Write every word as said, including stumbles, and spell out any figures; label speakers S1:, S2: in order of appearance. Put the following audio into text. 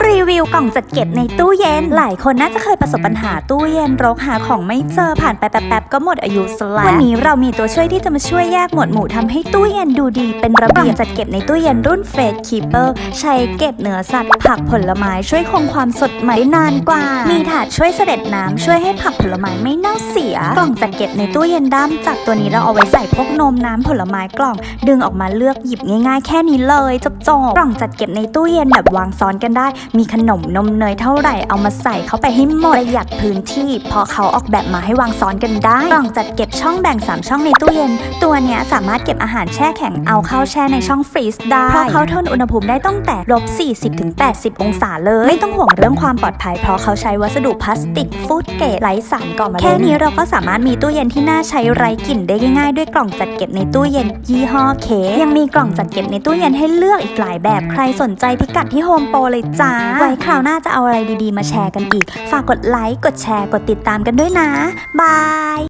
S1: รีวิวกล่องจัดเก็บในตู้เย็นหลายคนน่าจะเคยประสบปัญหาตู้เย็นรกหาของไม่เจอผ่านไปแป๊บๆก็หมดอายุซะแล้ววันนี้เรามีตัวช่วยที่จะมาช่วยแยกหมวดหมู่ทำให้ตู้เย็นดูดีเป็นระเบียบจัดเก็บในตู้เย็นรุ่นเฟสคีเปอร์ใช้เก็บเนื้อสัตว์ผักผลไม้ช่วยคงความสดใหม่ได้นานกว่ามีถาดช่วยเสด็จน้ำช่วยให้ผักผลไม้ไม่เน่าเสียกล่องจัดเก็บในตู้เย็นด้ามจับตัวนี้เราเอาไว้ใส่พวกนมน้ำผลไม้กล่องดึงออกมาเลือกหยิบง่ายๆแค่นี้เลยจบจบกล่องจัดเก็บในตู้เย็นแบบวางซ้อนกันได้มีขนมนมเนยเท่าไหร่เอามาใส่เข้าไปให้หมดประหยัดพื้นที่เพราะเขาออกแบบมาให้วางซ้อนกันได้กล่องจัดเก็บช่องแบ่งสามช่องในตู้เย็นตัวเนี้ยสามารถเก็บอาหารแช่แข็งเอาเข้าแช่ในช่องฟรีซได้เพราะเขาทนอุณหภูมิได้ตั้งแต่ลบสี่สิบถึงแปดสิบองศาเลยไม่ต้องห่วงเรื่องความปลอดภัยเพราะเขาใช้วัสดุพลาสติกฟู้ดเกรดไร้สารก่อมะเร็งแค่นี้เราก็สามารถมีตู้เย็นที่น่าใช้ไร้กลิ่นได้ง่ายๆด้วยกล่องจัดเก็บในตู้เย็นยี่ห้อเคยังมีกล่องจัดเก็บในตู้เย็นให้เลือกอีกหลายแบบใครสนใจพิกัดที่โฮมโปรเลยจ้าไว้คราวหน้าจะเอาอะไรดีๆมาแชร์กันอีกฝากกดไลค์กดแชร์กดติดตามกันด้วยนะบาย